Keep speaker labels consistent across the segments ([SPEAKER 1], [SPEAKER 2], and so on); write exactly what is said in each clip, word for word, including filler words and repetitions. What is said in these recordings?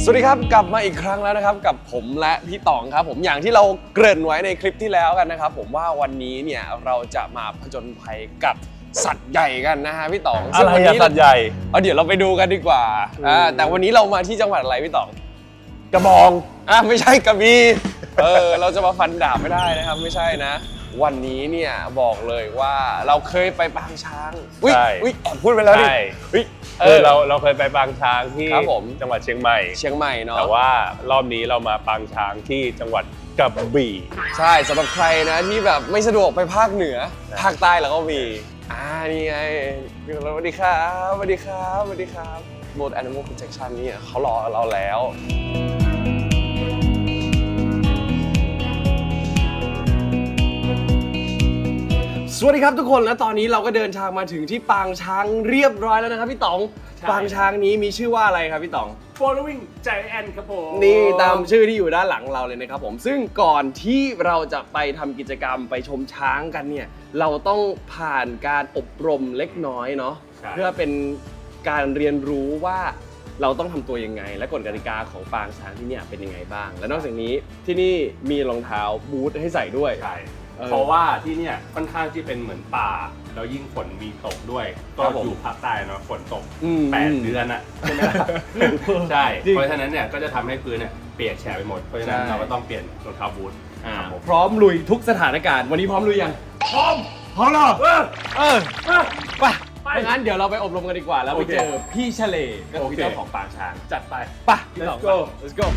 [SPEAKER 1] สวัสดีครับกลับมาอีกครั้งแล้วนะครับกับผมและพี่ต๋องครับผมอย่างที่เราเกริ่นไว้ในคลิปที่แล้วกันนะครับผมว่าวันนี้เนี่ยเราจะมาผจญภัยกับสัตว์ใหญ่กันนะฮะพี่ต๋อง
[SPEAKER 2] อะไรอะสัตว์ใหญ่
[SPEAKER 1] เอาเดี๋ยวเราไปดูกันดีกว่าอ่าแต่วันนี้เรามาที่จังหวัดอะไรพี่ต๋อง
[SPEAKER 2] กระบอง
[SPEAKER 1] อ่ะไม่ใช่กระบี่เออเราจะมาฟันดาบไม่ได้นะครับไม่ใช่นะวันนี้เนี่ยบอกเลยว่าเราเคยไปปางช้างอุ้ยอุ้ยแอบพูดไปแล้วดิอุ้ย
[SPEAKER 2] เออเราเราเคยไปปางช้างที่จังหวัดเชียงใหม่
[SPEAKER 1] เชียงใหม่เนาะ
[SPEAKER 2] แต่ว่ารอบนี้เรามาปางช้างที่จังหวัดกระบี่
[SPEAKER 1] ใช่สำหรับใครนะที่แบบไม่สะดวกไปภาคเหนือภาคใต้แล้วก็มีอ่านี่ไงสวัสดีครับสวัสดีครับสวัสดีครับ World Animal Protection นี่เขารอเราแล้วสวัสดีครับทุกคนและตอนนี้เราก็เดินทางมาถึงที่ปางช้างเรียบร้อยแล้วนะครับพี่ต๋องปางช้างนี้มีชื่อว่าอะไรครับพี่ต๋อง
[SPEAKER 3] Following Giant ครับผม
[SPEAKER 1] นี่ตามชื่อที่อยู่ด้านหลังเราเลยนะครับผมซึ่งก่อนที่เราจะไปทำกิจกรรมไปชมช้างกันเนี่ยเราต้องผ่านการอบรมเล็กน้อยเนาะเพื่อเป็นการเรียนรู้ว่าเราต้องทำตัวยังไงและกฎกติกาของปางช้างที่นี่เป็นยังไงบ้างและนอกจากนี้ที่นี่มีรองเท้าบูทให้ใส่ด้วย
[SPEAKER 3] ใช่เพราะว่าที่เนี่ยค่อนข้างที่เป็นเหมือนป่าแล้วยิ่งฝนมีตกด้วยก็อยู่ภาคใต้เนาะฝนตกแปดเดือนอ่ะใช่ไหมล่ะใช่เพราะฉะนั้นเนี่ยก็จะทำให้พื้นเนี่ยเปียกแฉะไปหมดเพราะฉะนั้นเราก็ต้องเปลี่ยนรองเท้าบูท
[SPEAKER 1] พร้อมลุยทุกสถานการณ์วันนี้พร้อมลุยยัง
[SPEAKER 3] พร้อม
[SPEAKER 1] พร้อมแล้วเออเออไปไปงั้นเดี๋ยวเราไปอบรมกันดีกว่าแล้วไปเจอพี่เฉลยก็คือเจ้าของปางช้าง
[SPEAKER 3] จัดไป
[SPEAKER 1] ไป let's go let's go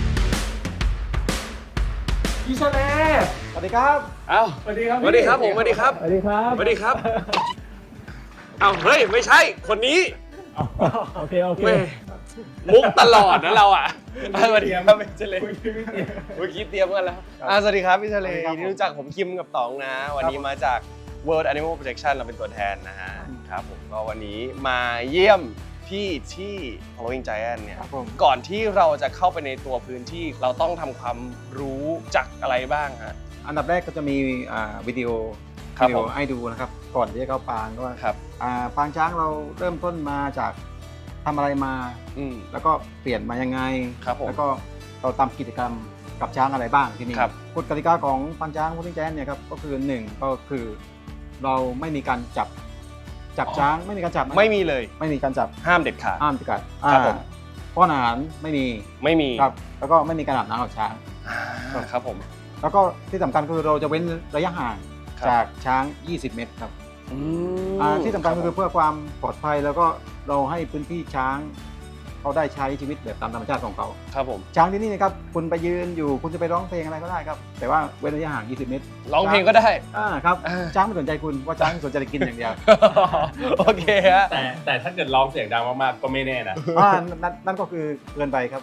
[SPEAKER 3] พี่เฉลย
[SPEAKER 1] สวัสดีครับอ้าว
[SPEAKER 3] สวัสดีครับ
[SPEAKER 1] สวัสดีครับผมสวัสดีครับ
[SPEAKER 3] สวัสดีครับ
[SPEAKER 1] สวัสดีครับอ้าวเฮ้ยไม่ใช่คนนี้
[SPEAKER 3] โอเคโอเค
[SPEAKER 1] มุกตลอดนะเราอ่ะสวัสดีครับพี่เฉลยเมื่อกี้เตรียมกันแล้วสวัสดีครับพี่เฉลยที่รู้จักผมคิมกับต๋องนะวันนี้มาจาก World Animal Protection เราเป็นตัวแทนนะฮะครับผมก็วันนี้มาเยี่ยมพี่ที่ Following Giant เนี่ยก่อนที่เราจะเข้าไปในตัวพื้นที่เราต้องทำความรู้จักอะไรบ้างฮะ
[SPEAKER 4] อันดับแรกก็จะมีวิดีโอวิดีโอให้ดูนะครับก่อนที่จะเข้าปางก็ว่าปางช้างเราเริ่มต้นมาจากทำอะไรมาแล้วก็เปลี่ยนมายังไงแล้วก็เราทำกิจกรรมกับช้างอะไรบ้างที่นี่กฎกติกาของปางช้าง Following Giant เนี่ยครับก็คือหนึ่งก็คือเราไม่มีการจับจับช้างไม่มีการจับ
[SPEAKER 1] ไม่มีเลย
[SPEAKER 4] ไม่มีการจับ
[SPEAKER 1] ห้ามเด็ดขาด
[SPEAKER 4] ห้ามเด็ดขาดครับผมป้อนอาหารไม่มี
[SPEAKER 1] ไม่มี
[SPEAKER 4] ครับแล้วก็ไม่มีการอาบน้ำกับช้าง
[SPEAKER 1] ครับผม
[SPEAKER 4] แล้วก็ที่สำคัญคือเราจะเว้นระยะห่างจากช้างยี่สิบเมตรครับที่สำคัญคือเพื่อความปลอดภัยแล้วก็เราให้พื้นที่ช้างเขาได้ใช้ชีวิตแบบตามธรรมชาติของเขา
[SPEAKER 1] ครับผม
[SPEAKER 4] ช้างที่นี่นะครับคุณไปยืนอยู่คุณจะไปร้องเพลงอะไรก็ได้ครับแต่ว่าเว้นระยะห่างยี่สิบเมตร
[SPEAKER 1] ร้องเพลงก็ได้
[SPEAKER 4] อ่าครับช้างไม่สนใจคุณว่าช้างสนใจกินอย่างเดียว
[SPEAKER 1] โอเคฮะ
[SPEAKER 3] แต่แต่ถ้าเกิดร้องเสียงดังมากๆก็ไม่แน่นะ
[SPEAKER 4] อ่านั่นก็คือเกินไปครับ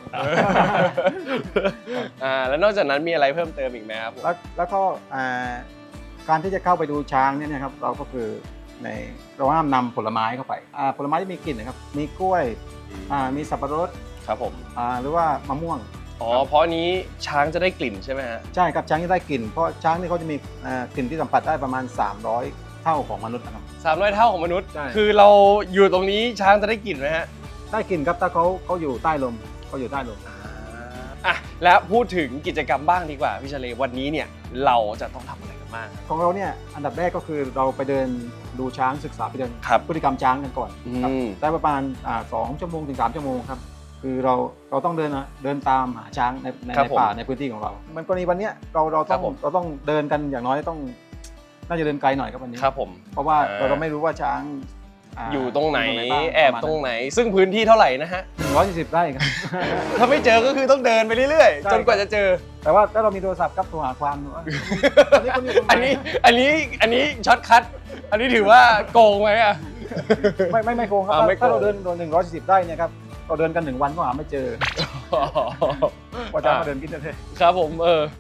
[SPEAKER 1] อ่าแล้วนอกจากนั้นมีอะไรเพิ่มเติมอีกไหมครับ
[SPEAKER 4] แล้วแล้วก็อ่าการที่จะเข้าไปดูช้างเนี่ยนะครับเราก็คือในเราห้ามนำผลไม้เข้าไปอ่าผลไม้ที่มีกลิ่นนะครับมีกล้วยอ่ามีสับปะรด
[SPEAKER 1] ครับผม
[SPEAKER 4] อ่าหรือว่ามะม่วง
[SPEAKER 1] อ๋อเพราะนี้ช้างจะได้กลิ่นใช่ไหมฮะ
[SPEAKER 4] ใช่ครับช้างจะได้กลิ่นเพราะช้างนี่เขาจะมีกลิ่นที่สัมผัสได้ประมาณสามร้อยเท่าของมนุษย์นะครับ
[SPEAKER 1] สามร้อยเท่าของมนุษย์คือเราอยู่ตรงนี้ช้างจะได้กลิ่นไหมฮะ
[SPEAKER 4] ได้กลิ่นครับถ้าเขาเขาอยู่ใต้ลมเขาอยู่ใต้ลม
[SPEAKER 1] อ่ะแล้วพูดถึงกิจกรรมบ้างดีกว่าพี่เฉลยวันนี้เนี่ยเราจะต้องทำอะไรกันบ้าง
[SPEAKER 4] ของเราเนี่ยอันดับแรกก็คือเราไปเดินดูช้างศึกษาไปเดินพฤติกรรมช้างกันก่อนได้ประมาณสองชั่วโมงถึงสามชั่วโมงครับคือเราเราต้องเดินนะเดินตามหาช้างในในป่าในพื้นที่ของเรามันกรณีวันนี้เราเราต้องเราต้องเดินกันอย่างน้อยต้องน่าจะเดินไกลหน่อยครับวันนี้
[SPEAKER 1] ครับผม
[SPEAKER 4] เพราะว่าเราไม่รู้ว่าช้าง
[SPEAKER 1] อยู่ตรงไหนแอบตรงไหนซึ่งพื้นที่เท่าไหร่นะฮะ
[SPEAKER 4] หนึ่งร้อยสี่สิบไร่ครับ
[SPEAKER 1] ถ้าไม่เจอก็คือต้องเดินไปเรื่อยๆจนกว่าจะเจอ
[SPEAKER 4] แต่ว่าถ้าเรามีโทรศัพท์ครับโทรหาความ
[SPEAKER 1] อันนี้อันนี้อันนี้ช็อตคัทอันนี้ถือว่าโกงไหมอ่ะ
[SPEAKER 4] ไม่ไม่ไม่โกงครับถ้าเราเดินโดนหนึ่งร้อยสี่สิบไร่เนี่ยครับเราเดินกันหนึ่งวันก็หาไม่เจอว่าจะมาเดินกินได้เลย
[SPEAKER 1] ครับผมเออ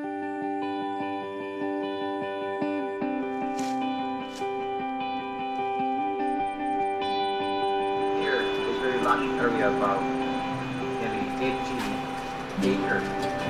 [SPEAKER 5] area about nearly eighty acres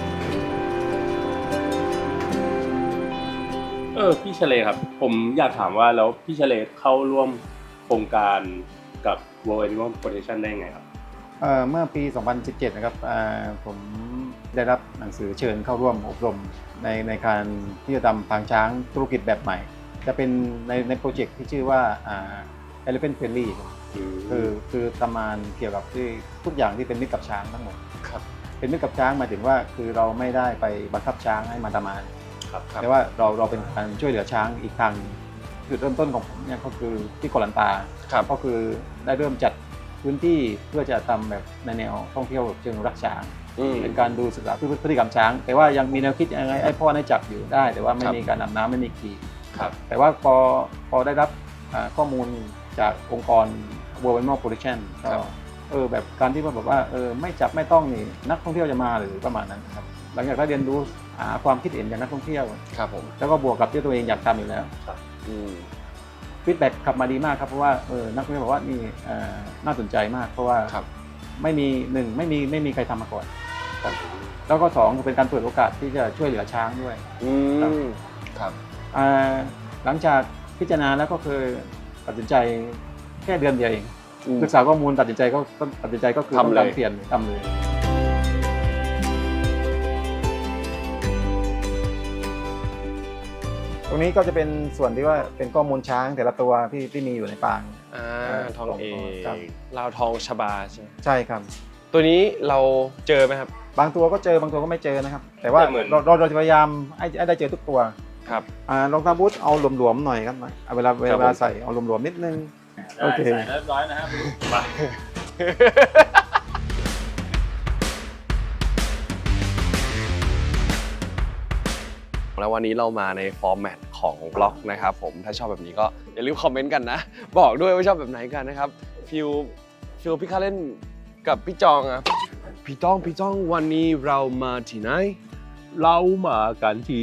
[SPEAKER 3] เออพี่เฉลยครับผมอยากถามว่าแล้วพี่เฉลยเข้าร่วมโครงการกับ World Animal Protection ได้ไงครับ
[SPEAKER 4] เอ่อเมื่อปี สองพันสิบเจ็ด นะครับอ่าผมได้รับหนังสือเชิญเข้าร่วมอบรมในในการที่จะทำปางช้างธุรกิจแบบใหม่ จะเป็นในในโปรเจกต์ที่ชื่อว่าอ่า Elephant Friendly คือคือทำงานเกี่ยวกับที่ทุกอย่างที่เป็นมิตรกับช้างทั้งหมด
[SPEAKER 1] ครับ
[SPEAKER 4] เป็นมิตรกับช้างหมายถึงว่าคือเราไม่ได้ไปบังคับช้างให้มาทำงาน
[SPEAKER 1] ครับครับ
[SPEAKER 4] แต่ว่าเราเราเป็นการช่วยเหลือช้างอีกทางหนึ่งจุดเริ่มต้นของผมเนี่ยก็คือที่เกาะลันตา
[SPEAKER 1] ครับ
[SPEAKER 4] ก็คือได้เริ่มจัดพื้นที่เพื่อจะทำแบบในแนวท่องเที่ยวเชิงรักช้าง
[SPEAKER 1] อืม
[SPEAKER 4] เป็นการดูศึกษาพฤติกรรมช้าง แต่ว่ายังมีแนวคิดยังไงไอ้พ่อได้จับอยู่ได้ แต่ว่าไม่
[SPEAKER 1] ครับ
[SPEAKER 4] มีการนำน้ำไม่มีขี่
[SPEAKER 1] ครับ
[SPEAKER 4] แต่ว่าพอพอได้รับอ่าข้อมูลจากองค์กร World Animal Protection ก็
[SPEAKER 1] ครับ
[SPEAKER 4] เออแบบการที่ว่าแบบว่าเออไม่จับไม่ต้องนี่นักท่องเที่ยวจะมาหรือประมาณนั้นครับหลังจากได้เรียนรู้หาความคิดเห็นจากนักท่องเที่ยว
[SPEAKER 1] ครับผม
[SPEAKER 4] แล้วก็บวกกับที่ตัวเองอยากทำอยู่แล้ว
[SPEAKER 1] อืม
[SPEAKER 4] ฟีดแบ็กขับมาดีมากครับเพราะว่าเออนักท่องเที่ยวบอกว่านี่เอ่อน่าสนใจมาก เพราะว่า
[SPEAKER 1] ครับ
[SPEAKER 4] ไม่มีหนึ่งไม่มีไม่มีใครทำมาก่อนครับแล้วก็สองเป็นการเปิดโอกาสที่จะช่วยเหลือช้างด้วย
[SPEAKER 1] อื
[SPEAKER 4] ครับ
[SPEAKER 1] มครับ
[SPEAKER 4] อ่าหลังจากพิจารณาแล้วก็คือตัดสินใจแค่เดือนเดียวเอง
[SPEAKER 1] อืม
[SPEAKER 4] ศึกษาข้อมูลตัดสินใจก็ก็ตัดสินใจก็คือ
[SPEAKER 1] ทำเลย
[SPEAKER 4] ต้องการเปลี่ยนทำเลยตรงนี้ก็จะเป็นส่วนที่ว่าเป็นข้อมูลช้างแต่ละตัวที่ที่มีอยู่ในปาง
[SPEAKER 1] อ่า
[SPEAKER 4] เอ่อ
[SPEAKER 1] ทองเอ
[SPEAKER 4] ครับ
[SPEAKER 1] ลาวทองชบาใช่ไหม
[SPEAKER 4] ใช่ครับ
[SPEAKER 1] ตัวนี้เราเจอไหมครับ
[SPEAKER 4] บางตัวก็เจอบางตัวก็ไม่เจอนะครับ แต่ว่า
[SPEAKER 3] แต่เหมือน
[SPEAKER 4] เราเราเราจะพยายามให้ให้ได้เจอทุกตัว
[SPEAKER 1] ครับ
[SPEAKER 4] อ่ารองเท้าบูทเอาหลวมๆหน่อยครับเอาเวลาเว
[SPEAKER 1] ครับผม
[SPEAKER 4] ลาใส่เอาหลวมๆนิดนึงโอเค
[SPEAKER 3] ใส่เรียบร้อยนะครับไป
[SPEAKER 1] แล้ววันนี้เรามาในฟอร์แมตของบล็อกนะครับผมถ้าชอบแบบนี้ก็อย่าลืมคอมเมนต์กันนะ บอกด้วยว่าชอบแบบไหนกันนะครับฟิลฟิลพี่คาเล่นกับพี่จองอะพี่จ้องพี่จ้องวันนี้เรามาที่ไหน
[SPEAKER 2] เรามากันที่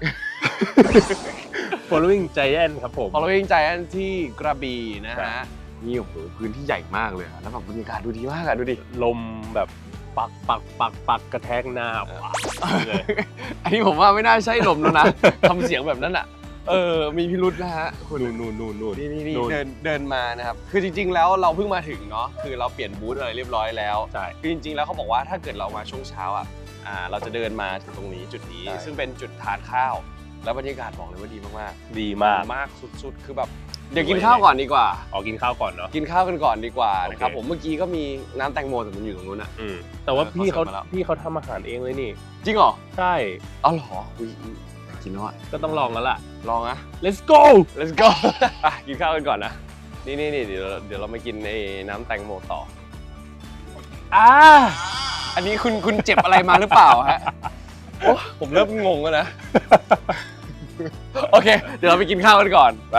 [SPEAKER 2] following giant ครับผม
[SPEAKER 1] ฟอลโลวิ่งใจอันที่กระบี่นะ
[SPEAKER 2] ครั
[SPEAKER 1] ฮะ
[SPEAKER 2] บ
[SPEAKER 1] นี่โอ้โหพื้นที่ใหญ่มากเลยอะแล้วแบบบรรยากาศดูดีมากอะดูดิ
[SPEAKER 2] ลมแบบปักปักปักปักกระแทกหน้าว้าวเลย
[SPEAKER 1] อันนี้ผมว่าไม่น่าใช่ลมแล้วนะ ทำเสียงแบบนั้นอะเออมีพิรุธนะฮะคุณ
[SPEAKER 2] นู่นนู่นนู่นนู่น
[SPEAKER 1] นี่นี่นี่
[SPEAKER 2] นู่น
[SPEAKER 1] เดินเดินมานะครับคือจริง ๆ แล้วเราเพิ่งมาถึงเนาะคือเราเปลี่ยนบูธอะไรเรียบร้อยแล้ว
[SPEAKER 2] ใช่
[SPEAKER 1] คือจริง ๆ แล้วเขาบอกว่าถ้าเกิดเรามาช่วงเช้าอ่ะอ่าเราจะเดินมาถึงตรงนี้จุดนี้
[SPEAKER 2] ใช่
[SPEAKER 1] ซึ่งเป็นจุดทานข้าว แล้วบรรยากาศบอกเลยว่าดีมาก
[SPEAKER 2] ดี
[SPEAKER 1] ๆ
[SPEAKER 2] มาก
[SPEAKER 1] มากสุดๆ คือแบบเดี๋ยวกินข้าวก่อนดีกว่า
[SPEAKER 2] ออกกินข้าวก่อนเนาะ
[SPEAKER 1] กินข้าวกันก่อนดีกว่านะครับ
[SPEAKER 2] โอเค
[SPEAKER 1] ผมเมื่อกี้ก็มีน้ำแตงโมแต่มันอยู่ตรงนู้นอ่ะ
[SPEAKER 2] อืมแต่ว่า
[SPEAKER 1] เออ
[SPEAKER 2] พี่เขา
[SPEAKER 1] เขาเสิร์ฟมาแล้ว
[SPEAKER 2] พี่เขาทำอาหารเองเลยนี่
[SPEAKER 1] จริงเหรอ
[SPEAKER 2] ใช่
[SPEAKER 1] เอาเหรออุ๊ยอยากกินแล้วอ่ะ
[SPEAKER 2] ก็ต้องลองแล้วล่ะ
[SPEAKER 1] ลองนะ
[SPEAKER 2] let's go
[SPEAKER 1] let's go อ่ะกินข้าวกันก่อนนะนี่นี่นี่เดี๋ยวเราเดี๋ยวเรามากินไอ้น้ำแตงโมต่ออ่าอันนี้คุณคุณเจ็บอะไรมาหรือเปล่าฮะโอ้ผมเริ่มงงแล้วนะ โอเค เดี๋ยวเราไปกินข้าวกันก่อนไป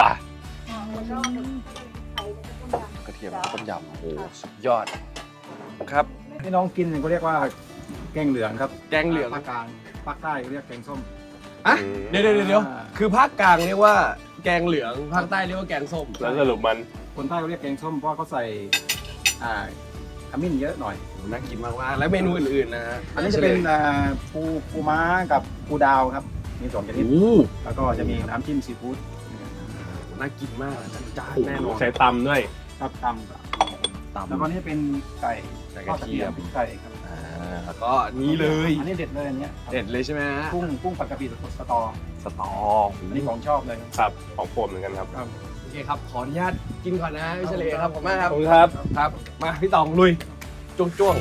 [SPEAKER 1] กระเทียมต้มยำโอ้โหสุดยอดครับ
[SPEAKER 4] ที่น้องกินเนี่ยเขาเรียกว่าแกงเหลืองครับ
[SPEAKER 1] แกงเหลือง
[SPEAKER 4] ภาคกลางภาคใต้เรียกแกงส้ม
[SPEAKER 1] อ่ะ
[SPEAKER 2] อืม
[SPEAKER 1] เดี๋ยวเดี๋ยวเดี๋ยว
[SPEAKER 4] อ่า
[SPEAKER 1] คือภาคกลางเรียกว่าแกงเหลืองภาคใต้เรียกว่าแกงส้ม
[SPEAKER 2] แล้วสรุปมัน
[SPEAKER 4] คนใต้เขาเรียกแกงส้มเพราะว่าเขาใส่อ่าขมิ้นเยอะหน่อย
[SPEAKER 1] น่ากินมากๆแล้วเมนูอื่นๆนะฮะ
[SPEAKER 4] อันนี้จะเป็นอ่าปูปูม้ากับปูดาวครับมีสองชนิด
[SPEAKER 1] โอ้
[SPEAKER 4] แล้วก็จะมีน้ำจิ้มซีฟู้ด
[SPEAKER 1] น่ากินมากจัดจ้านแน่นอน
[SPEAKER 2] ใช้ตำด้วย
[SPEAKER 4] ครับตำ
[SPEAKER 1] ตำ
[SPEAKER 4] แล้วก็นี่เป็นไก่
[SPEAKER 1] ไก่
[SPEAKER 4] ท
[SPEAKER 1] ก
[SPEAKER 4] อ
[SPEAKER 1] ระ
[SPEAKER 4] ดกระ
[SPEAKER 1] เที
[SPEAKER 4] เที
[SPEAKER 1] ย
[SPEAKER 4] ย
[SPEAKER 1] ม
[SPEAKER 4] มไก่ครับ
[SPEAKER 1] อ่าแล้วก็นี้เลย
[SPEAKER 4] อันนี้เด็ดเลยอันเนี้ยครับ
[SPEAKER 1] เด็ดเลยใช่ไหมฮะ
[SPEAKER 4] กุ้งกุ้งผัดกะปิสตอ
[SPEAKER 1] สตอ
[SPEAKER 4] อันนี้ของชอบเลยครับ
[SPEAKER 2] ครับของผมเหมือนกันครับ
[SPEAKER 4] ครับ
[SPEAKER 1] โอเคครับ ขออนุญาตกินก่อนนะพี่เฉลยครับผมมากค
[SPEAKER 2] ข
[SPEAKER 1] รั
[SPEAKER 2] อ
[SPEAKER 1] บบ
[SPEAKER 2] คุณครับ
[SPEAKER 1] ครับ มาพี่ตองลุยจ้วงจ้วง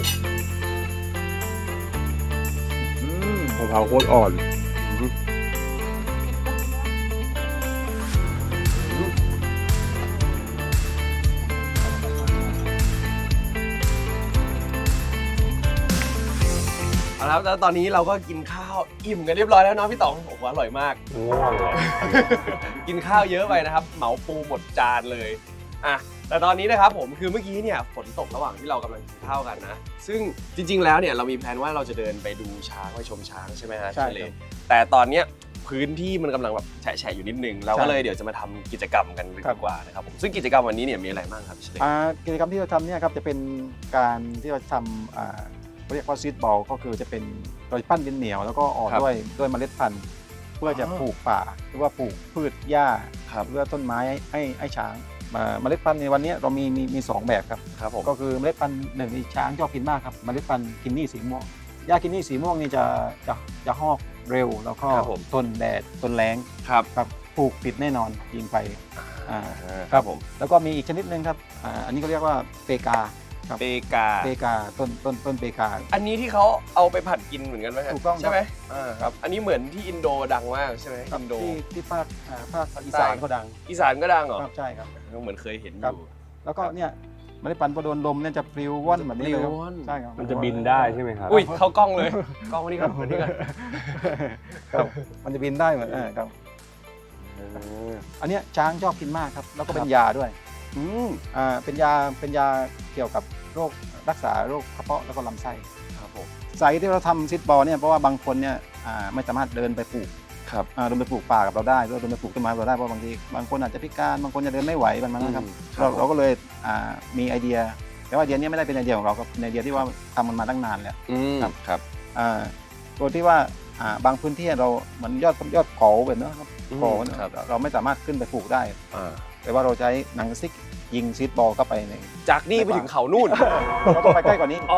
[SPEAKER 2] มะพร้าวโคตรอ่อน
[SPEAKER 1] เอาละครับแล้วตอนนี้เราก็กินข้าวอิ่มกันเรียบร้อยแล้วเนาะพี่ตองโอ้โหอร่อยมาก
[SPEAKER 2] ง่วงเลย
[SPEAKER 1] กินข้าวเยอะไปนะครับ เหมาปูหมดจานเลยอ่ะแต่ตอนนี้นะครับผมคือเมื่อกี้เนี่ยฝนตกระหว่างที่เรากำลังกินข้าวกันนะ ซึ่งจริง ๆ แล้วเนี่ยเรามีแพลนว่าเราจะเดินไปดูช้างไปชมช้างใช่ไหมฮะ
[SPEAKER 4] ใช่
[SPEAKER 1] เฉล
[SPEAKER 4] ครั
[SPEAKER 1] ย
[SPEAKER 4] บ
[SPEAKER 1] แต่ตอนเนี้ยพื้นที่มันกำลังแบบแฉะๆอยู่นิดนึงเราก็เลยเดี๋ยวจะมาทำกิจกรรมกันดีกว่านะครับผมซึ่งกิจกรรมวันนี้เนี่ยมีอะไรบ้างครับเฉลย
[SPEAKER 4] อ่ากิจกรรมที่เราทำเนี่ยครับจะเป็นการที่เราทำอ่าเขาเรียกว่าซีดบอลก็คือจะเป็นเราจะปั้นดินเหนียวแล้วก็ออกด้วยด้วยเมล็ดพันธุ์ เพื่อจะปลูกป่าหรือว่าปลูกพืชหญ้า
[SPEAKER 1] ครับ
[SPEAKER 4] เพื่อต้นไม้ให้ให้ให้ช้างบอ่าเมล็ดพันธุ์ในวันนี้เรามีมีมีสองแบบครับ
[SPEAKER 1] ครับผม
[SPEAKER 4] ก็คือเมล็ดพันธุ์หนึ่งที่ช้างชอบกินมากครับเมล็ดพันธุ์กินนี่สีม่วงหญ้ากินนี่สีม่วงนี่จะจะจะหอกเร็วแล้วก็
[SPEAKER 1] ครับผม
[SPEAKER 4] ทนแดดทนแรง
[SPEAKER 1] ครับ
[SPEAKER 4] ครับปลูกติดแน่นอนยิงไปอ่า
[SPEAKER 1] ครับผม
[SPEAKER 4] แล้วก็มีอีกชนิดหนึ่งครับอ่าอันนี้ก็เรียกว่าเปกาครับ
[SPEAKER 1] เปกา
[SPEAKER 4] เปกาต้นต้นต้นเปกา
[SPEAKER 1] อันนี้ที่เขาเอาไปผัดกินเหมือนกันไหมฮะ
[SPEAKER 4] ถูกต้องครับ
[SPEAKER 1] ใช่ไหมอ่าครับ อันนี้เหมือนที่อินโดดังมากใช่ไหม
[SPEAKER 4] ครับ
[SPEAKER 1] อินโด
[SPEAKER 4] ที่ที่ภาคอ่าภาค
[SPEAKER 1] ภาค
[SPEAKER 4] อี
[SPEAKER 1] ใต้
[SPEAKER 4] สานก็ดัง
[SPEAKER 1] อีสานก็ดังเหรอ
[SPEAKER 4] ครับใช่ครับ
[SPEAKER 1] เหมือนเคยเห็นอ
[SPEAKER 4] ครับ
[SPEAKER 1] ยู่
[SPEAKER 4] แล้วก็เนี่ยเมล็ดพันธุ์พอโดนลมเนี่ยจะปลิวว่อนแบบนี้เลยครับ
[SPEAKER 1] ปลิวว่อน
[SPEAKER 4] ใช่ครับ
[SPEAKER 2] มันจะบินได้ใช่ไหมครับ
[SPEAKER 1] อุ้ยเข้ากล้องเลย กล้องมานี่ก่อนมานี่ก่อน
[SPEAKER 4] ครับมันจะบินได้เหมือนเออครับอันเนี้ยช้างชอบกินมากครับแล้วก็เป็นยาด้วย
[SPEAKER 1] อืม
[SPEAKER 4] อ่าเป็นยาเป็นยาเกี่ยวกับโรครักษาโรคกระเพาะแล้วก็ลำไส้
[SPEAKER 1] ครับผม
[SPEAKER 4] สาเหตุที่เราทำซิดบอลเนี่ยเพราะว่าบางคนเนี่ยอ่าไม่สามารถเดินไปปลูก
[SPEAKER 1] ครับ
[SPEAKER 4] อ่าเดินไปปลูกป่ากับเราได้หรือเดินไปปลูกต้นไม้กับเราได้เพราะบางทีบางคนอาจจะพิการบางคนจะเดินไม่ไหวบางนะครับ
[SPEAKER 1] อืม
[SPEAKER 4] เรา
[SPEAKER 1] ผม
[SPEAKER 4] เราก็เลยอ่ามีไอเดีย แต่ว่าไอเดียเนี้ไม่ได้เป็นไอเดียของเราครับเป็นไอเดียที่ว่าทำมันมาตั้งนานแล้ว
[SPEAKER 1] อืม
[SPEAKER 4] ครับ
[SPEAKER 1] ครับ
[SPEAKER 4] อ่าตัวที่ว่าอ่าบางพื้นที่เราเหมือนยอดยอดเขาแบบนั้นครับ
[SPEAKER 1] อืม
[SPEAKER 4] เขาเนี่ย
[SPEAKER 1] ครับ
[SPEAKER 4] เราไม่สามารถขึ้นไปปลูกได้
[SPEAKER 1] อ่า
[SPEAKER 4] แต่ว่าเราใช้หนังสติ๊กยิงซีดบอลเข้าไปใน
[SPEAKER 1] จากนี่ไปถึงเขานู่น
[SPEAKER 4] เราต้องไปใกล้กว่านี้
[SPEAKER 1] อ๋อ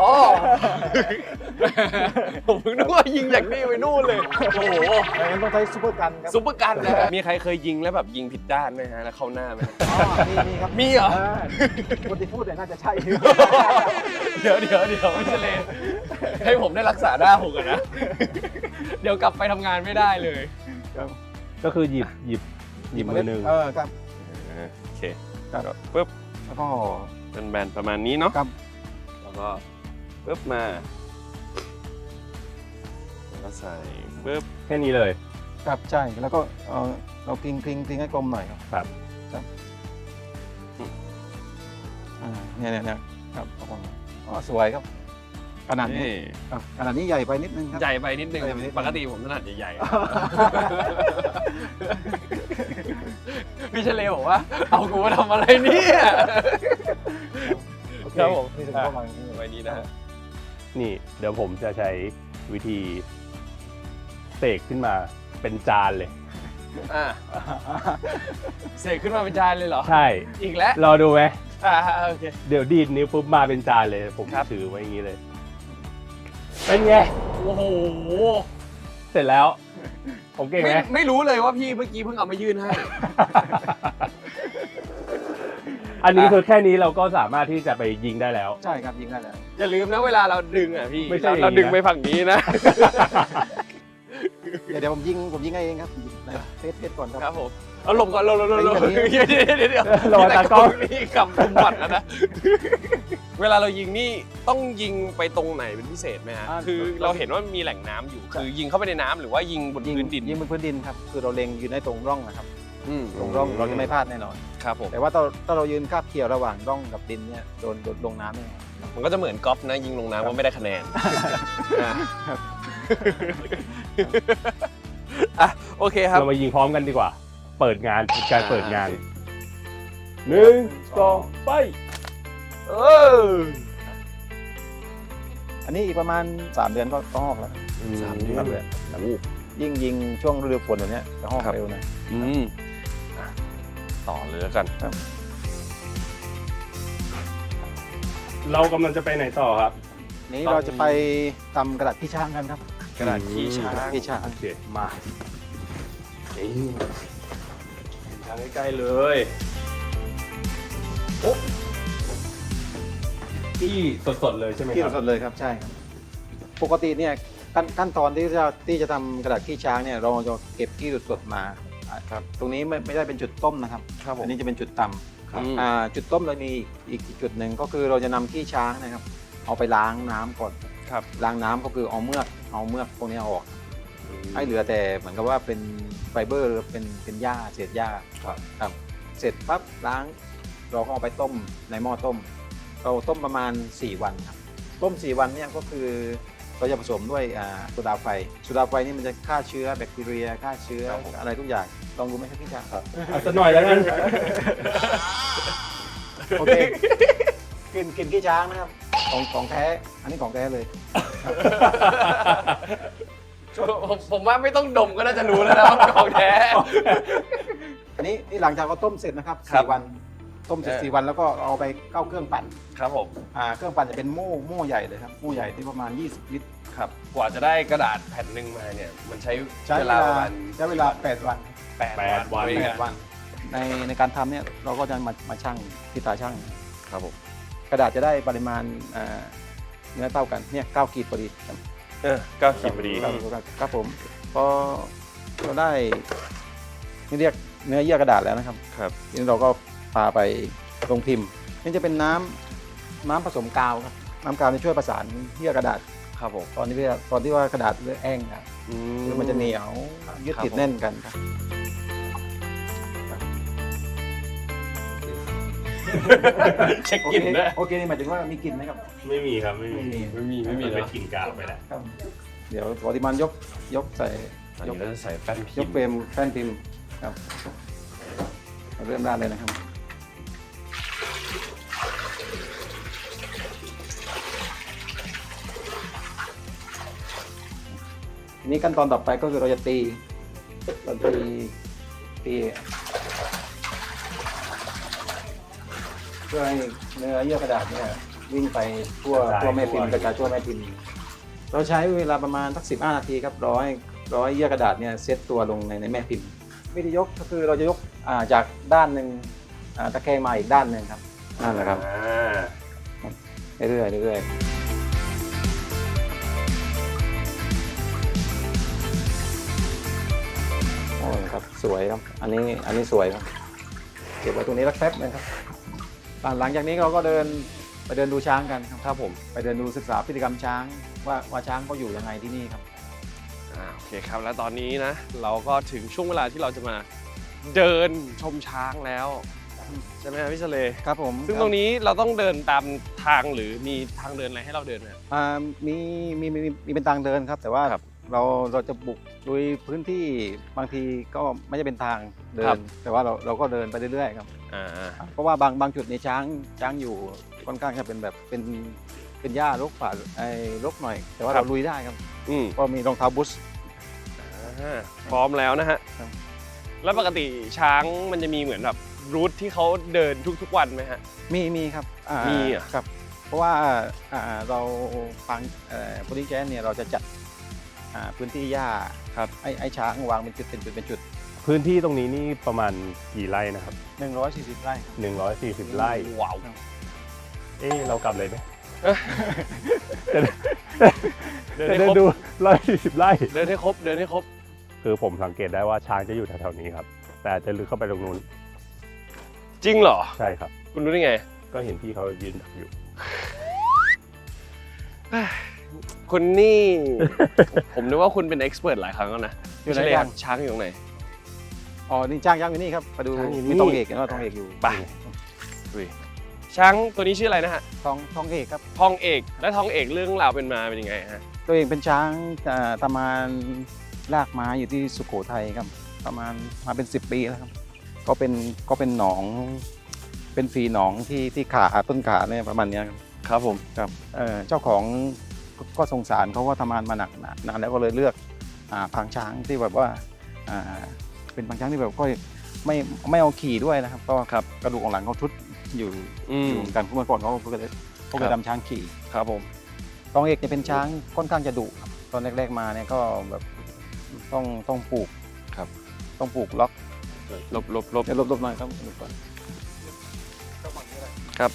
[SPEAKER 1] ผมเพิ่งนึกว่ายิงจากนี่ไปนู่นเลย โอ้โห
[SPEAKER 4] ดังนั้นต้องใช้ซูเปอร์กันครับ
[SPEAKER 1] ซุปเปอร์กันนะมีใครเคยยิงแล้วแบบยิงผิดด้านไหมฮะ แล้วเข้าหน้าไหม
[SPEAKER 4] อ๋อมีมีครับ
[SPEAKER 1] มีเหรอ
[SPEAKER 4] คนที่พูดเนี่ยน่าจะใช่
[SPEAKER 1] เดี๋ยวเดี๋ยวเดี๋ยวไม่ใช่เลยให้ผมได้รักษาหน้าผมก่อนนะ เดี๋ยวกลับไปทำงานไม่ได้เลย
[SPEAKER 2] ก็คือหยิบหยิบหยิบมือหนึ่ง
[SPEAKER 4] เออครับ
[SPEAKER 1] โอเค
[SPEAKER 4] ครับ
[SPEAKER 1] ปึ๊บ
[SPEAKER 4] แล้วก็
[SPEAKER 1] เป็นแบนประมาณนี้เนาะ
[SPEAKER 4] ครับ
[SPEAKER 1] แล้วก็ปึ๊บมาแล้วก็ใส่ปึ๊บ
[SPEAKER 2] แค่นี้เลย
[SPEAKER 4] ครับใช่แล้วก็เออเรากริงกริงกริงให้กลมหน่อยครับ
[SPEAKER 2] ครับ
[SPEAKER 4] ครับอ่าเนี่ยเนี่ยเนี่ยครับเอาประมาณอ๋อสวยครับขนาดนี้
[SPEAKER 1] นี่
[SPEAKER 4] ครับขนาดนี้ใหญ่ไปนิดนึงครับ
[SPEAKER 1] ใหญ่ไปนิดนึง
[SPEAKER 4] ใหญ่ไปนิดนึง
[SPEAKER 1] ปกติผมถนัดใหญ่ๆ พี่เฉลยบอกว่า เอากูมาทำอะไรเนี่ย
[SPEAKER 4] โอเค
[SPEAKER 1] ครับผม
[SPEAKER 4] นี่ถึงประมาณนี้เลย
[SPEAKER 1] ไว้นี้นะฮะ
[SPEAKER 2] นี่เดี๋ยวผมจะใช้วิธีเสกขึ้นมาเป็นจานเลย
[SPEAKER 1] อ่ะเสกขึ้นมาเป็นจานเลยเหรอ
[SPEAKER 2] ใช่
[SPEAKER 1] อีกแล้ว
[SPEAKER 2] รอดูไหม
[SPEAKER 1] อ่าโอเค
[SPEAKER 2] เดี๋ยวดีดนิ้วปุ๊บมาเป็นจานเลย ผม
[SPEAKER 1] ครับ
[SPEAKER 2] ถือไว้อย่างนี้เลย เป็นไง
[SPEAKER 1] โอ้โห
[SPEAKER 2] เสร็จแล้ว ผมเก่ง
[SPEAKER 1] ไม่
[SPEAKER 2] ไหม
[SPEAKER 1] ไม่รู้เลยว่าพี่เมื่อกี้เพิ่งเอามายื่นให้
[SPEAKER 2] อันนี้คือแค่นี้เราก็สามารถที่จะไปยิงได้แล้ว
[SPEAKER 4] ใช่ครับยิงได้แล้ว
[SPEAKER 1] อย่าลืมนะเวลาเราดึงอ่ะพี่
[SPEAKER 2] ไม่ใช่
[SPEAKER 1] เราเราดึงไปฝั่งนี้นะ
[SPEAKER 4] เดี๋ยวเดี๋ยวผมยิงผมยิงให้เองครับเทสเทสก่อนครับ
[SPEAKER 1] ครับผมเอาหลบก่อนหลบหลบหลบหลบ
[SPEAKER 4] เป็นอย่างนี้
[SPEAKER 1] เดี๋ยวเดี๋ยวเดี๋ยวเดี๋ยว
[SPEAKER 2] รอตากล้อง
[SPEAKER 1] นี่กำกุมบัตรแล้วนะ เวลาเรายิงนี่ต้องยิงไปตรงไหนเป็นพิเศษไหมฮะ
[SPEAKER 4] อ่า
[SPEAKER 1] คือเราเห็นว่ามีแหล่งน้ำอยู่ คือยิงเข้าไปในน้ำหรือว่ายิงบน
[SPEAKER 4] ยิง
[SPEAKER 1] พื้นดิน
[SPEAKER 4] ยิงบนพื้นดินครับคือเราเล็งอยู่ในตรงร่องนะครับ
[SPEAKER 1] อืม
[SPEAKER 4] ตรงร่องเราจะไม่พลาดแน่นอน
[SPEAKER 1] ครับผม
[SPEAKER 4] แต่ว่าถ้าถ้าเรายืนคาบเกี่ยวระหว่างร่องกับดินเนี่ยโดนโดนลงน้ำเนี่ย
[SPEAKER 1] มันก็จะเหมือนกอล์ฟนะ ยิงลงน้ำว่าไม่ได้คะแนนอ่ะอ่ะโอเคครับ
[SPEAKER 2] เรามายิงพร้อมกันดีกว่า เปิดงานเป็นการเปิดงานหนึ่งสองไป
[SPEAKER 1] เออ
[SPEAKER 4] อันนี้อีกประมาณสามเดือนก็ก็หอกแล้ว
[SPEAKER 1] สามเดือน
[SPEAKER 4] สามเดือนยิ่งยิงช่วงฤดูฝนแบบเนี้ยจะหอก
[SPEAKER 1] ครับ
[SPEAKER 4] เร็วนะ
[SPEAKER 1] อืมอ่ะต่อเลยแล้วกัน
[SPEAKER 2] เรากำลังจะไปไหนต่อครับ
[SPEAKER 4] นี้เราจะไปทำกระดาษขี้ช้างกันครับ
[SPEAKER 1] กระดาษขี้ช้าง
[SPEAKER 4] กระดษขี้ช้าง
[SPEAKER 2] โอเค มานี่ทางใกล้ๆเลยโอ้ที่สดๆเลยใช่ไหม
[SPEAKER 4] ที่
[SPEAKER 2] ครับ
[SPEAKER 4] สดๆเลยครับใช่ครับปกติเนี่ยขั้นขั้นตอนที่จะที่จะทำกระดาษขี้ช้างเนี่ยเราจะเก็บขี้สดๆมาครับตรงนี้ไม่ไม่ได้เป็นจุดต้มนะครับ
[SPEAKER 1] ครับผม
[SPEAKER 4] อันนี้จะเป็นจุดต
[SPEAKER 1] ครับ
[SPEAKER 4] ำอ่าจุดต้มเรามีอีกอีกจุดหนึ่งก็คือเราจะนำขี้ช้างนะครับ เอาไปล้างน้ำก่อน
[SPEAKER 1] ครับ
[SPEAKER 4] ล้างน้ำก็คือเอาเมือกเอาเมือกพวกนี้ออก ให้เหลือแต่เหมือนกับว่าเป็นไฟเบอร์หรือเป็นเป็นหญ้าเศษหญ้า
[SPEAKER 1] ครับ
[SPEAKER 4] ครับเสร็จปั๊บล้างเราก็เอาไปต้มในหม้อต้ม เราต้มประมาณสี่วันครับต้มสี่วันเนี่ยก็คือเราจะผสมด้วยอ่าโซดาไฟโซดาไฟนี่มันจะฆ่าเชื้อแบคทีเรียฆ่าเชื้ออะไรทุกอย่างลองดูไหมครับพี่จ๋าครับ
[SPEAKER 2] เอาสักหน่อยแล้วกัน
[SPEAKER 4] โอเคกินกินขี้ช้างนะครับของของแท้อันนี้ของแท้เลย
[SPEAKER 1] ผมผมว่าไม่ต้องดมก็น่าจะรู้แล้วนะว่าของแท้
[SPEAKER 4] อันนี้นี่หลังจากเราต้มเสร็จนะครับ
[SPEAKER 1] ครับ
[SPEAKER 4] สี่วันต้มเสร็จ
[SPEAKER 1] เออ
[SPEAKER 4] สี่วันแล้วก็เอาไปเข้าเครื่องปั่น
[SPEAKER 1] ครับผม
[SPEAKER 4] อ่าเครื่องปั่นจะเป็นโม่โม่ใหญ่เลยครับโม่ใหญ่ที่ประมาณ ยี่สิบ ลิตร
[SPEAKER 1] ครับกว่าจะได้กระดาษแผ่นหนึ่งมาเนี่ยมันใช้
[SPEAKER 4] ใช้
[SPEAKER 1] เว
[SPEAKER 4] เว
[SPEAKER 1] ลา
[SPEAKER 4] ลา
[SPEAKER 1] ประมาณ
[SPEAKER 4] ใช้เวลาแปดวัน
[SPEAKER 1] แปด
[SPEAKER 3] แปดวัน
[SPEAKER 1] ด้วย
[SPEAKER 4] แป
[SPEAKER 1] กั
[SPEAKER 4] ดวันในในการทำเนี่ยเราก็จะมามาชั่งที่ตาชั่ง
[SPEAKER 1] ครับผม
[SPEAKER 4] กระดาษจะได้ปริมาณอ่าเนื้อเท่ากันเนี่ยเก้าขีดพอดีครับ
[SPEAKER 1] เออเก้าขีดพอดี
[SPEAKER 4] ครับครับผมพอเราได้นี่เรียกเนื้อเยื่อกระดาษแล้วนะครับ
[SPEAKER 1] ครับ
[SPEAKER 4] ทีนี้เราก็พาไปลงพิมพ์นี่จะเป็นน้ำน้ำผสมกาวครับน้ำกาวจะช่วยประสานเยื่อกระดาษ
[SPEAKER 1] ครับผม
[SPEAKER 4] ตอนนี้เวลาตอนที่ว่ากระดาษเลือแห้งนะ
[SPEAKER 1] อื
[SPEAKER 4] คือมันจะเหนียวยึดติดแน่นกันครับ
[SPEAKER 1] เช็คกลิ่นด้วย
[SPEAKER 4] โอเคนี่หมายถึงว่ามีกลิ่นไหมครับ
[SPEAKER 3] ไม่มีครับไม่มี
[SPEAKER 1] ไม่มีไม่มี
[SPEAKER 3] นเป็น
[SPEAKER 1] เนาะ
[SPEAKER 3] กลิ่นกาวไปแล้ว
[SPEAKER 4] ครับเดี๋ยวปริมาณยกยกใส่
[SPEAKER 1] อัน
[SPEAKER 4] ย
[SPEAKER 1] นี้
[SPEAKER 4] ก
[SPEAKER 1] เราจะใส่แป้นพิ
[SPEAKER 4] ย
[SPEAKER 1] ม
[SPEAKER 4] ก
[SPEAKER 1] พ์
[SPEAKER 4] เฟรมแป้นพิมพ์ครับเราเริ่มด้านเลยนะครับทีนี้ขั้นตอนต่อไปก็คือเราจะตีเราตีตีเพื่อให้เนื้อเยื่อกระดาษเนี่ยวิ่งไปทั่ว
[SPEAKER 3] กระจาย
[SPEAKER 4] ทั่วแม่พิมพ์
[SPEAKER 3] ทั่ว
[SPEAKER 4] กระจายทั่วแม่พิมพ์ เราใช้เวลาประมาณสักสิบห้านาทีครับร้อยร้อยเยื่อกระดาษเนี่ยเซตตัวลงในในแม่พิมพ์วิธียกก็คือเราจะยกอ่าจากด้านหนึ่งอ่าตะแคงมาอีกด้านหนึ่งครับนั่นแหละครับ
[SPEAKER 3] อ่า
[SPEAKER 4] เรื่อยๆเรื่อยๆโอ้ยครับสวยครับอันนี้อันนี้สวยครับเก็บไว้ตรงนี้สักแป๊บนึงครับหลังจากนี้เราก็เดินไปเดินดูช้างกันครับ
[SPEAKER 1] ครับผม
[SPEAKER 4] ไปเดินดูศึกษาพฤติกรรมช้างว่าว่าช้างเขาอยู่ยังไงที่นี่ครับ
[SPEAKER 1] อ่าโอเคครับแล้วตอนนี้นะเราก็ถึงช่วงเวลาที่เราจะมาเดินชมช้างแล้วใช่ไหมครับพี่เฉลย
[SPEAKER 4] ครับผม
[SPEAKER 1] ซึ่งตรงนี้เราต้องเดินตามทางหรือมีทางเดินอะไรให้เราเดินไหม
[SPEAKER 4] อ่ามีมีมีมีมีเป็นทางเดินครับ แต่ว่า
[SPEAKER 1] ครับ
[SPEAKER 4] เราเราจะบุกโดยพื้นที่บางทีก็ไม่ใช่เป็นทางเดิ
[SPEAKER 1] ครั
[SPEAKER 4] น
[SPEAKER 1] บ
[SPEAKER 4] แต่ว่าเราเราก็เดินไปเรื่อยๆครับ
[SPEAKER 1] อ่า
[SPEAKER 4] เพราะว่าบางบางจุดในช้างช้างอยู่ค่อนข้างจะเป็นแบบเป็นเป็นหญ้ารกป่าไอ้รกหน่อย แต่ว่าเราลุยได้ครับ
[SPEAKER 1] อืม
[SPEAKER 4] ก็มีรองเท้าบูท
[SPEAKER 1] อ่าพร้อมแล้วนะฮะ
[SPEAKER 4] ครับ
[SPEAKER 1] แล้วปกติช้างมันจะมีเหมือนแบบรูทที่เขาเดินทุกๆวันไหมฮะ
[SPEAKER 4] มีมีครับอ่า
[SPEAKER 1] มีเหรอ
[SPEAKER 4] ครับ เพราะว่าอ่าเราฟังโพลิแกนเนี่ยเราจะจัดอ่าพื้นที่หญ้า
[SPEAKER 1] ครับ
[SPEAKER 4] ไอ้ไอ้ช้างวางเป็นจุดเป็นจุดเป็นจุด
[SPEAKER 2] พื้นที่ตรงนี้นี่ประมาณกี่ไร่นะครับ
[SPEAKER 4] หนึ่งร้อยสี่สิบไร่ครับ
[SPEAKER 2] หนึ่งร้อยสี่สิบไร่
[SPEAKER 1] ว้าว
[SPEAKER 2] เอ๊ะเรากลับเลยไหม
[SPEAKER 1] เดิน
[SPEAKER 2] จะ
[SPEAKER 1] ให้
[SPEAKER 2] เดิ
[SPEAKER 1] คร
[SPEAKER 2] น
[SPEAKER 1] บ
[SPEAKER 2] ดูร้อยสี่สิบไร่
[SPEAKER 1] เดินให้ครบเดินให้ครบ
[SPEAKER 2] คือผมสังเกตได้ว่าช้างจะอยู่แถวๆนี้ครับ แต่อาจจะลึกเข้าไปตรงนู้น
[SPEAKER 1] จริงเหรอ
[SPEAKER 2] ใช่ครับ
[SPEAKER 1] คุณรู้ได้ไง
[SPEAKER 2] ก็เห็นพี่เขายืนดักอยู่
[SPEAKER 1] คุณนี่ ผมนึกว่าคุณเป็นเอ็กซ์เพรสหลายครั้งแล้วนะ
[SPEAKER 4] อยู่ไหน
[SPEAKER 1] พี่เฉล
[SPEAKER 4] บ้าง
[SPEAKER 1] ช้างอยู่ตรงไหน
[SPEAKER 4] อ๋อ นี่จ้างย่างอยู่นี่ครับ ไปดู
[SPEAKER 1] ช้างอยู่นี่
[SPEAKER 4] มีทองเอกเห็นว่าทองเอกอยู่
[SPEAKER 1] ไป อุ้ยช้างตัวนี้ชื่ออะไรนะฮะ
[SPEAKER 4] ทองทองเอกครับ
[SPEAKER 1] ทองเอกและทองเอกเรื่องราวเป็นมาเป็นยังไงฮะ
[SPEAKER 4] ตัวเองเป็นช้างอ่าประมาณลากม้าอยู่ที่สุโขทัยครับ ประมาณมาเป็นสิบปีแล้วครับ ก็เป็นก็เป็นหนอง เป็นฝีหนองที่ที่ขาต้นขาเนี่ยประมาณเนี้ยครับ
[SPEAKER 1] ครับผม
[SPEAKER 4] ครับเอ่อเจ้าของก็ก็สงสารเขาว่าทำงานมาหนักนานแล้วก็เลยเลือกอ่าพางช้างที่แบบว่าอ่าเป็นพางช้างที่แบบก็ไม่ไม่เอาขี่ด้วยนะครับ ก็ครับกระดูกของหลังเขาทุดอยู่
[SPEAKER 1] อืม
[SPEAKER 4] อยู่เหมือนกันเมื่อก่อนเขาก็เลยเขาเคยทำช้างขี่
[SPEAKER 1] ครับผม
[SPEAKER 4] ตองเอกจะเป็นช้างค่อนข้างจะดุครับตอนแรกๆมาเนี่ยก็แบบต้องต้องปลูก
[SPEAKER 1] ครับ
[SPEAKER 4] ต้องปลูกล็อก
[SPEAKER 1] ลบลบลบ
[SPEAKER 4] เดี๋ยวลบๆหน่อยครับลบก่อน
[SPEAKER 1] ครับ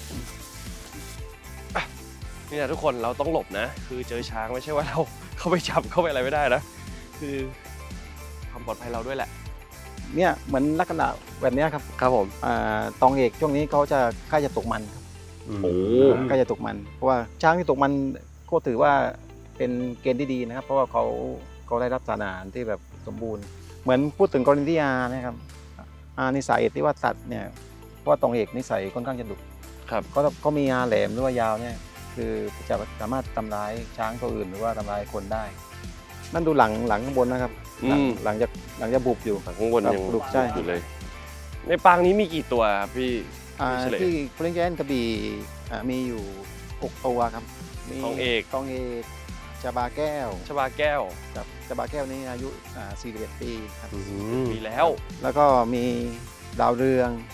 [SPEAKER 1] นี่นะทุกคนเราต้องหลบนะ คือเจอช้างไม่ใช่ว่าเรา เข้าไปจับเข้าไปอะไรไม่ได้นะ คือความปลอดภัยเราด้วยแหละ
[SPEAKER 4] เนี่ยเหมือนลักษณะแบบเนี้ยครับ
[SPEAKER 1] ครับผม
[SPEAKER 4] อ่าตองเอกช่วงนี้เขาจะใกล้จะตกมันครับ
[SPEAKER 1] โอ้
[SPEAKER 4] ใกล้จะตกมันเพราะว่าช้างที่ตกมันก็ถือว่าเป็นเกณฑ์ที่ดีนะครับ เพราะว่าเขาเขาได้รับสารอาหารที่แบบสมบูรณ์ เหมือนพูดถึงกรณีที่อานะครับอานิสัยที่ว่าสัตว์เนี่ยเพราะว่าตองเอกนิสัยค่อนข้างจะดุ
[SPEAKER 1] ครับ
[SPEAKER 4] ก็ก็มีอาแหลมหรือว่ายาวเนี่ยคือจะสามารถทำร้ายช้างตัวอื่นหรือว่าทำร้ายคนได้ นั่นดูหลังหลังข้างบนนะครับหลัง
[SPEAKER 1] อืม
[SPEAKER 4] หลังจากหลังจากบุบอยู่
[SPEAKER 1] ข้างบน
[SPEAKER 4] ครับ
[SPEAKER 1] ยัง
[SPEAKER 4] ลูกใช่
[SPEAKER 1] อยู่เลย ในปางนี้มีกี่ตัวครับพี่
[SPEAKER 4] อ่า
[SPEAKER 1] เฉลย
[SPEAKER 4] ที่พลิงแกนกระบี่อ่ามีอยู่หกตัวครับมี
[SPEAKER 1] ทองเอก
[SPEAKER 4] ทองเอกจาบาแก้ว
[SPEAKER 1] ชบาแก้ว
[SPEAKER 4] ครับจาบาแก้วนี้อายุอ่าสี่สิบเอ็ดปีครับ
[SPEAKER 1] มีแล้ว
[SPEAKER 4] แล้วก็มีดาวเรือง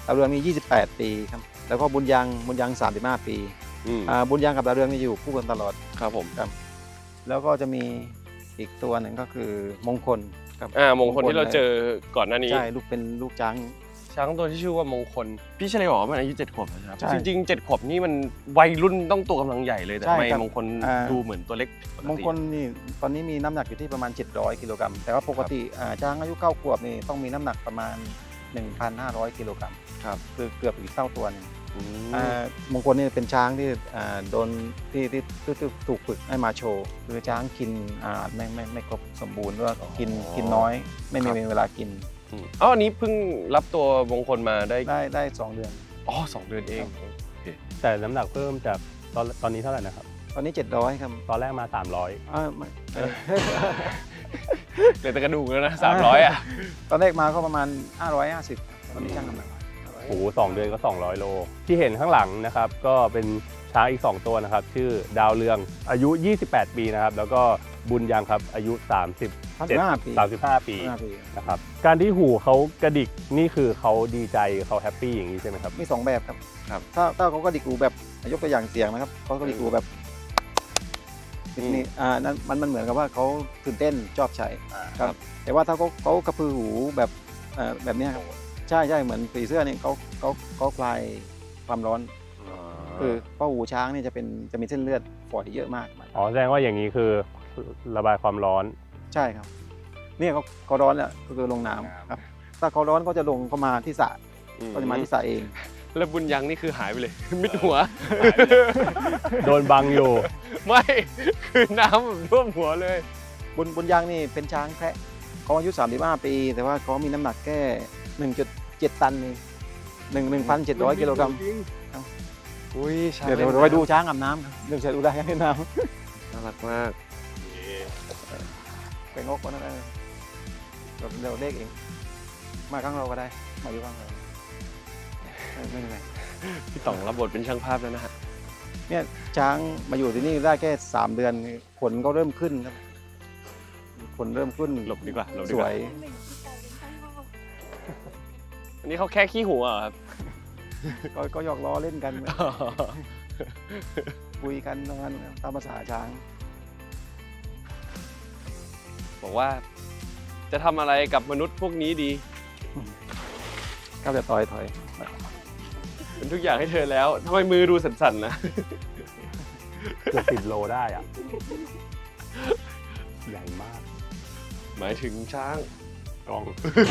[SPEAKER 4] ดาวเรืองมียี่สิบแปดปีครับแล้วก็บุญยังบุญยังสามสิบห้าปี
[SPEAKER 1] อืม
[SPEAKER 4] อ่าบุญยังกับดาวเรืองนี่อยู่คู่กันตลอด
[SPEAKER 1] ครับผม
[SPEAKER 4] ครับแล้วก็จะมีอีกตัวหนึ่งก็คือมงคลครับ
[SPEAKER 1] อ่ามงคลที่เราเจอก่อนหน้านี้
[SPEAKER 4] ใช่ลูกเป็นลูกช้าง
[SPEAKER 1] ช้างตัวที่ชื่อว่ามงคลพี่เฉลยบอกว่ามันอายุเจ็ดขวบแล้วครับ
[SPEAKER 4] ใช่
[SPEAKER 1] จริงๆเจ็ดขวบนี่มันวัยรุ่นต้องตัวกำลังใหญ่เลยแต่
[SPEAKER 4] ใช่
[SPEAKER 1] ทำไม
[SPEAKER 4] ครับ
[SPEAKER 1] มงคล
[SPEAKER 4] อ่า
[SPEAKER 1] ดูเหมือนตัวเล็กปก
[SPEAKER 4] มง
[SPEAKER 1] ติ
[SPEAKER 4] คลนี่ตอนนี้มีน้ำหนักอยู่ที่ประมาณเจ็ดร้อยกิโลกรัมแต่ว่าปกติอ่าช้างอายุเก้าขวบนี่ต้องมีน้ำหนักประมาณ หนึ่งพันห้าร้อยกิโลกรัม
[SPEAKER 1] ครับ
[SPEAKER 4] คือเกือบอีกเท่าตัวหนึง
[SPEAKER 1] อืม
[SPEAKER 4] อ่ามงคลนี่เป็นช้างที่อ่าโดนที่ที่ที่ที่ถูกฝึกให้มาโชว์คือช้างกินอ่าไม่ไม่ไม่ครบสมบูรณ์หรือว่ากินกินน้อย ไม่มีเวลากิน
[SPEAKER 1] อืมอ๋ออันนี้เพิ่งรับตัวมงคลมาได้
[SPEAKER 4] ได้ได้สองเดือน
[SPEAKER 1] อ๋อสองเดือนเอง
[SPEAKER 2] แต่น้ำหนักเพิ่มจากตอนตอนนี้เท่าไหร่นะครับ
[SPEAKER 4] ตอนนี้เจ็ดร้อยครับ
[SPEAKER 2] ตอนแรกมา สามร้อย
[SPEAKER 4] อ่าไม่เอ่อ
[SPEAKER 1] เหลือแต่กระดูกแล้วนะสามร้อยอ่ะ
[SPEAKER 4] ตอนแรกมาก็ประมาณห้าร้อยห้าสิบตอนนี้ช่างน้ำหนัก
[SPEAKER 2] โอ้โหสองเดือนก็ สองร้อย โล ที่เห็นข้างหลังนะครับ ก็เป็นช้างอีก สอง ตัวนะครับ ชื่อดาวเรืองอายุ ยี่สิบแปด ปีนะครับ แล้วก็บุญยังครับอายุ สามสิบ
[SPEAKER 4] สามสิบห้าปี
[SPEAKER 2] สามสิบห้า ปี
[SPEAKER 4] ห้าปี
[SPEAKER 2] นะครับ การที่หูเขากระดิกนี่คือเขาดีใจเขาแฮปปี้อย่างนี้ใช่ไหมครับ
[SPEAKER 4] มีสองแบบครับ
[SPEAKER 1] ครับ
[SPEAKER 4] ถ้าถ้าเขาก็ดิกูแบบยกตัวอย่างเสียงนะครับเขาก็ดิกูแบบ
[SPEAKER 1] อืม
[SPEAKER 4] นี่อ่านั่นมันมันเหมือนกับว่าเขาตื่นเต้นชอบใช้
[SPEAKER 1] ครับ
[SPEAKER 4] แต่ว่าถ้าเขาเขากระพือหูแบบเอ่อแบบเนี้ยครับใช่ใช่เหมือนผีเสื้อนี่เขาเขาเขาคลายความร้อน คือเพราะหูช้างนี่จะเป็นจะมีเส้นเลือดฝอยเยอะมาก
[SPEAKER 2] อ๋อ แสดงว่าอย่างนี้คือระบายความร้อน
[SPEAKER 4] ใช่ครับเนี่ยเขาเขาร้อนแล้วก็คือลงน้ำครับถ้าเขาร้อนก็จะลงเข้ามาที่สระก็จะมาที่สระเอง
[SPEAKER 1] แล้วบุญยังนี่คือหายไปเลย มิดหัว
[SPEAKER 2] โดนบังอยู่
[SPEAKER 1] ไม่ คือน้ำแบบท่วมหัวเลย
[SPEAKER 4] บุญบุญยางนี่เป็นช้างแคระเขาอายุสามสิบห้าปี แต่ว่าเขามีน้ำหนักแค่หนึ่งจุดเจ็ดตันเองหนึ่งหนึ่งพันเจ็ดร้อยกิโลกรัม
[SPEAKER 1] อุ้ยช้าง
[SPEAKER 4] เดี๋ยวเดี๋ยวเราไปดูช้างอาบน้ำครับเดี๋ยวจะดูได้ให้น้
[SPEAKER 1] น่ารักมาก
[SPEAKER 4] ำเป็นงกก็นั่นเองเราเดี๋ยวเลขเอง มาข้างเราก็ได้ มาอยู่ข้างเราไม่ไม่เป็นไร
[SPEAKER 1] พี่ต่องรับบทเป็นช่างภาพแล้วนะฮะ
[SPEAKER 4] เนี่ยช้างมาอยู่ที่นี่ได้แค่สามเดือนขนก็เริ่มขึ้นครับขนเริ่มขึ้น
[SPEAKER 1] หลบดีกว่าหลบดี
[SPEAKER 4] ส
[SPEAKER 1] ก
[SPEAKER 4] ว
[SPEAKER 1] ว่าย อันนี้เขาแค่ขี้หัวเหรอครับ
[SPEAKER 4] ก็ก็หยอกล้อเล่นกัน คุยกันตรงนั้นตามภาษาช้าง
[SPEAKER 1] บอกว่าจะทำอะไรกับมนุษย์พวกนี้ดี
[SPEAKER 4] ก็จะต่อยถอย
[SPEAKER 1] เป็นทุกอย่างให้เธอแล้วทำไมมือดูสั่นๆนะ
[SPEAKER 2] เกือบสิบโลได้อะใหญ่มาก
[SPEAKER 1] หมายถึงช้าง
[SPEAKER 2] กล้อง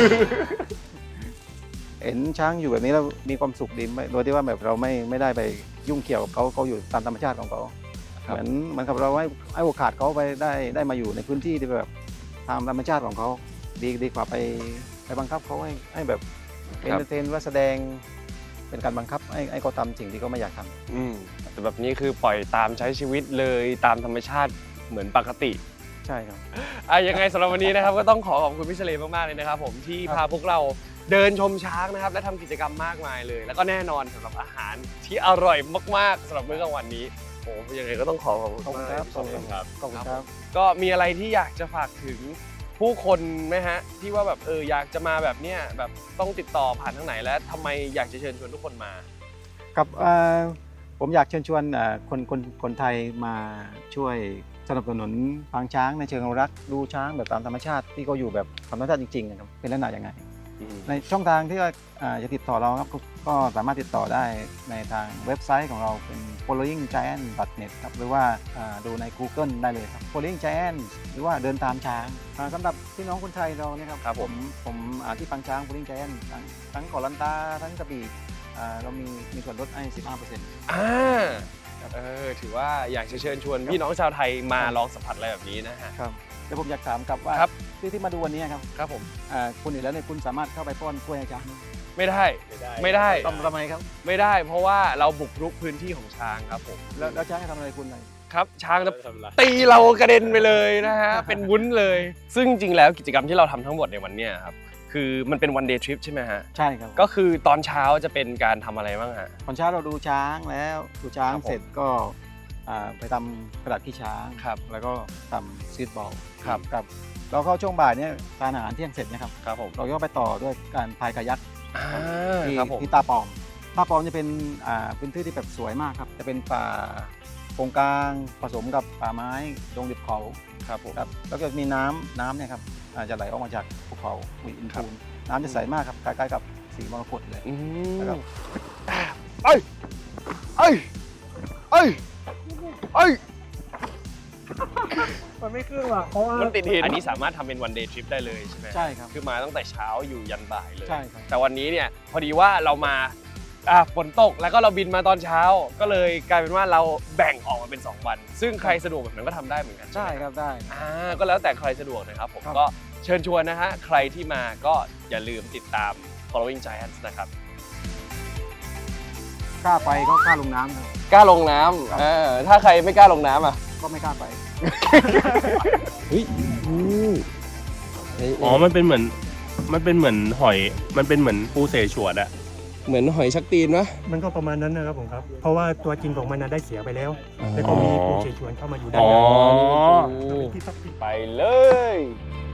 [SPEAKER 4] เห็นช้างอยู่แบบนี้แล้วมีความสุขดีไม่โดยที่ว่าแบบเราไม่ไม่ได้ไปยุ่งเกี่ยวกับเขาเขาอยู่ตามธรรมชาติของเขา
[SPEAKER 1] ครับ
[SPEAKER 4] เหมือนเหมือนกับเราให้ให้โอกาสเขาไปได้ได้มาอยู่ในพื้นที่ที่แบบตามธรรมชาติของเขาดีดีกว่าไปไปบังคับเขาให้ให้แบบเอนเตอร์เทนว่าแสดงเป็นการบังคับให้ให้เขาทำสิ่งที่เขาไม่อยากทำ
[SPEAKER 1] อืมแต่แบบนี้คือปล่อยตามใช้ชีวิตเลยตามธรรมชาติเหมือนปกติ
[SPEAKER 4] ใช่ครับ
[SPEAKER 1] อ่ะยังไงสำหรับวันนี้นะครับ ก็ต้องขอขอบคุณพี่เฉลยมากๆเลยนะครับผมที่
[SPEAKER 4] ครับ
[SPEAKER 1] พาพวกเราเดินชมช้างนะครับ และทำกิจกรรมมากมายเลย แล้วก็แน่นอนสำหรับอาหารที่อร่อยมากๆสำหรับมื้อกลางวันนี้โอ้ยังไงก็ต้องขอขอบคุณ
[SPEAKER 4] ขอบคุณ
[SPEAKER 1] มาก
[SPEAKER 4] ครับ
[SPEAKER 1] ขอบคุณครับ
[SPEAKER 4] ขอบคุณครับ
[SPEAKER 1] ก็มีอะไรที่อยากจะฝากถึงผู้คนไหมฮะที่ว่าแบบเอออยากจะมาแบบเนี้ยแบบต้องติดต่อผ่านทางไหนและทำไมอยากจะเชิญชวนทุกคนมา
[SPEAKER 4] ครับเอ่อผมอยากเชิญชวนเอ่อคนคนคนไทยมาช่วยสนับสนุนปางช้างในเชิงอนุรักษ์ดูช้างแบบตามธรรมชาติที่เขาอยู่แบบธรรมชาติจริงๆนะครับเป็นลักษณะยังไง ในช่องทางที่ว่าอ่าจะติดต่อเราครับก็ก็สามารถติดต่อได้ในทางเว็บไซต์ของเราเป็น following giant dot net ครับหรือว่าอ่าดูใน Google ได้เลยครับ following giant หรือว่าเดินตามช้างอ่าสำหรับพี่น้องคนไทยเราเนี่ยครับ
[SPEAKER 1] ครับผม
[SPEAKER 4] ผมอ่าที่ปางช้าง following giant ทั้งทั้งเกาะลันตาทั้งกระบี่อ่าเรามีมีส่วนลดให้ สิบห้าเปอร์เซ็นต์
[SPEAKER 1] อ่าเออถือว่าอยากจะเชิญชวนพี่น้องชาวไทยมาลองสัมผัสอะไรแบบนี้นะฮะ
[SPEAKER 4] ครับแล้วผมอยากถามกลับว่า
[SPEAKER 1] ครับ
[SPEAKER 4] ที่ที่มาดูวันนี้ครับ
[SPEAKER 1] ครับผม
[SPEAKER 4] อ่าคุณอยู่แล้วเนี่ยคุณสามารถเข้าไปป้อนกล้วยให้ช้างไหม
[SPEAKER 1] ไม่ได้ไม่ได้
[SPEAKER 4] ทำทำไมครับ
[SPEAKER 1] ไม่ได้เพราะว่าเราบุกรุกพื้นที่ของช้างครับผม
[SPEAKER 4] แล้วแล้วช้างจะทำอะไรคุณไหน
[SPEAKER 1] ครับช้างจะตีเรากระเด็นไปเลยนะฮะ เป็นวุ้นเลย ซึ่งจริงๆแล้วกิจกรรมที่เราทำทั้งหมดในวันเนี้ยครับคือมันเป็นวันเดย์ทริปใช่ไหมฮะ
[SPEAKER 4] ใช่ครับ
[SPEAKER 1] ก็คือตอนเช้าจะเป็นการทำอะไรบ้างฮะ
[SPEAKER 4] ตอนเช้าเราดูช้างแล้วดูช้าง
[SPEAKER 1] ครับผม
[SPEAKER 4] เสร็จก็อ่าไปทำกระดาษขี้ช้าง
[SPEAKER 1] ครับ
[SPEAKER 4] แล้วก็ทำซีดบอล
[SPEAKER 1] ครับ
[SPEAKER 4] ครับเราเข้าช่วงบ่ายเนี่ยทานอาหารเที่ยงเสร็จนะครับ
[SPEAKER 1] ครับผม
[SPEAKER 4] เราก็ไปต่อด้วยการพายกายัก
[SPEAKER 1] อ่า
[SPEAKER 4] ที่
[SPEAKER 1] ครับผม
[SPEAKER 4] ที่ตาปอมตาปอมจะเป็นอ่าเป็นที่ที่แบบสวยมากครับจะเป็นป่าโกงกลางผสมกับป่าไม้ดงดิบเขา
[SPEAKER 1] ครับผม
[SPEAKER 4] ครับแล้วก็มีน้ำน้ำเนี่ยครับอาจจะไหลออกมาจากภูเขามีอินทูนน้ำจะใสมากครับคล้ายๆกับสีมรกตเลย
[SPEAKER 1] อืม
[SPEAKER 4] นะครับ
[SPEAKER 1] เอ้ยเอ้ยเอ้ยเอ้ย
[SPEAKER 6] มันไม่ขึ้นว่ะเพราะว่า
[SPEAKER 1] มันติดหินอันนี้สามารถทำเป็นวันเดย์ทริปได้เลยใช่ไหม
[SPEAKER 4] ใช่ครับ
[SPEAKER 1] คือมาตั้งแต่เช้าอยู่ยันบ่ายเลย
[SPEAKER 4] ใช่ครับ
[SPEAKER 1] แต่วันนี้เนี่ยพอดีว่าเรามาอ่ะฝนตกแล้วก็เราบินมาตอนเช้า ก็เลยกลายเป็นว่าเราแบ่งออกมาเป็นสองวัน ซึ่งใครสะดวกแบบนั้นก็ทำได้เหมือนกัน
[SPEAKER 4] ใช่
[SPEAKER 1] ไหม
[SPEAKER 4] ครับได้
[SPEAKER 1] อ่าก็แล้วแต่ใครสะดวกนะครับผม
[SPEAKER 4] ครับ
[SPEAKER 1] ก็เชิญชวนนะฮะใครที่มาก็อย่าลืมติดตาม following giants นะครับ
[SPEAKER 4] กล้าไปก็กล้าลงน้ำครับ
[SPEAKER 1] กล้าลงน้ำเออถ้าใครไม่กล้าลงน้ำอ่ะ
[SPEAKER 4] ก็ไม่กล้าไป
[SPEAKER 1] เฮ้ยอืม
[SPEAKER 3] อ๋อ มันเป็นเหมือน มันเป็นเหมือนหอย มันเป็นเหมือนปูเสฉวนอะ
[SPEAKER 1] เหมือนหอยชักตีนปะ
[SPEAKER 6] มันก็ประมาณนั้นนะครับผมครับ เพราะว่าตัวจริงของมันน่ะได้เสียไปแล้ว แล้วก็มีปูเฉยชวนเข้ามาอยู่ด้าน
[SPEAKER 3] อ๋อ
[SPEAKER 6] ในที่ซับซิ
[SPEAKER 1] ไปเลย